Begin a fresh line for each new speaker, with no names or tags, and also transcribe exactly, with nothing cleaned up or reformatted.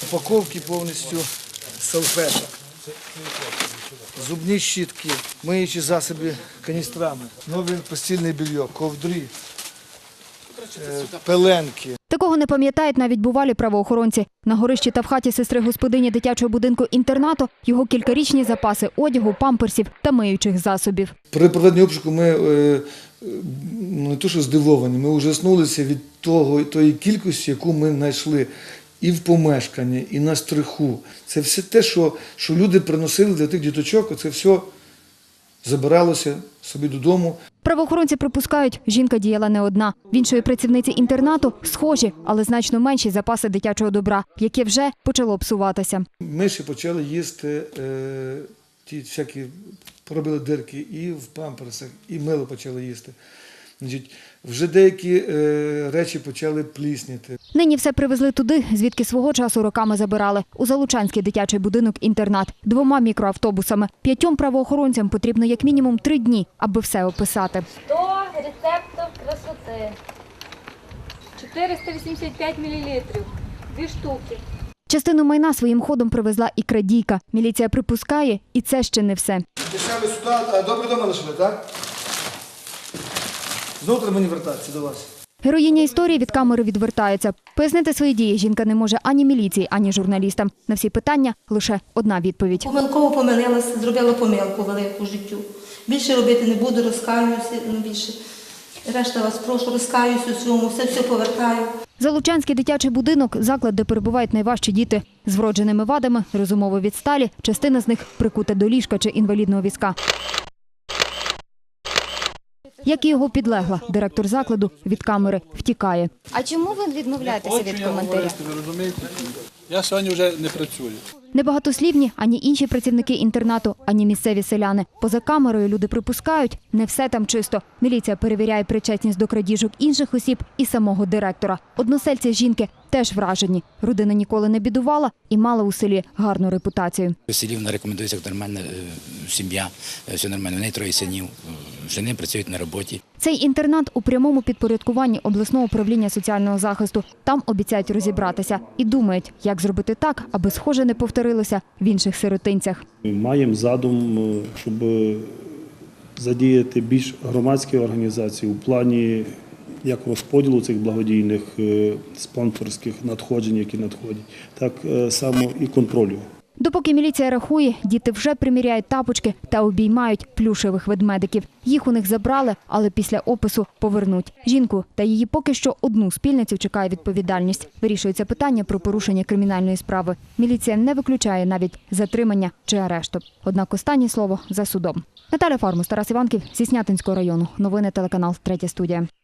упаковки повністю салфеток, зубні щітки, миючі засоби каністрами, нове постільне белье, ковдри, пеленки.
Такого не пам'ятають навіть бувалі правоохоронці. На горищі та в хаті сестри господині дитячого будинку-інтернату його кількарічні запаси одягу, памперсів та миючих засобів.
При проведенні обшуку ми е, не то що здивовані, ми ужаснулися від того, тої кількості, яку ми знайшли і в помешканні, і на стриху. Це все те, що, що люди приносили для тих діточок, це все забиралося собі додому.
Правоохоронці припускають, жінка діяла не одна. В іншої працівниці інтернату схожі, але значно менші запаси дитячого добра, яке вже почало псуватися.
Миші почали їсти е, ті всякі, поробили дирки і в памперсах, і мило почали їсти. Значить, вже деякі е, речі почали плісніти.
Нині все привезли туди, звідки свого часу роками забирали. У Залучанський дитячий будинок-інтернат. Двома мікроавтобусами. П'ятьом правоохоронцям потрібно як мінімум три дні, аби все описати.
сто рецептів красоти. чотириста вісімдесят п'ять мілілітрів. Дві штуки.
Частину майна своїм ходом привезла і крадійка. Міліція припускає, і це ще не все.
Дешеві сюди, а добре дома лишили, так? Знову треба мені вертатися до вас.
Героїня історії від камери відвертається. Пояснити свої дії жінка не може ані міліції, ані журналістам. На всі питання лише одна відповідь.
Помилково помилилася, зробила помилку велику в життю. Більше робити не буду, розкаюся, ну більше. Решта вас прошу, розкаюся у цьому, все-все повертаю.
Залучанський дитячий будинок – заклад, де перебувають найважчі діти. З вродженими вадами, розумово відсталі, частина з них прикута до ліжка чи інвалідного візка. Як і його підлегла, директор закладу від камери втікає.
А чому ви відмовляєтеся від коментаря?
Ви розумієте? Я сьогодні вже не працюю.
Небагатослівні ані інші працівники інтернату, ані місцеві селяни. Поза камерою люди припускають, не все там чисто. Міліція перевіряє причетність до крадіжок інших осіб і самого директора. Односельці жінки теж вражені. Родина ніколи не бідувала і мала у селі гарну репутацію.
У селі вона рекомендується як нормальна сім'я, все нормально. У неї троє синів, жени працюють на роботі.
Цей інтернат у прямому підпорядкуванні обласного управління соціального захисту. Там обіцяють розібратися і думають, як зробити так, аби схоже не повторилося в інших сиротинцях.
Маємо задум, щоб задіяти більш громадські організації у плані як розподілу цих благодійних спонсорських надходжень, які надходять, так само і контролю.
Допоки міліція рахує, діти вже приміряють тапочки та обіймають плюшевих ведмедиків. Їх у них забрали, але після опису повернуть. Жінку та її поки що одну спільницю чекає відповідальність. Вирішується питання про порушення кримінальної справи. Міліція не виключає навіть затримання чи арешту. Однак останнє слово за судом. Наталя Фармус, Тарас Іванків зі Снятинського району. Новини телеканал «Третя студія».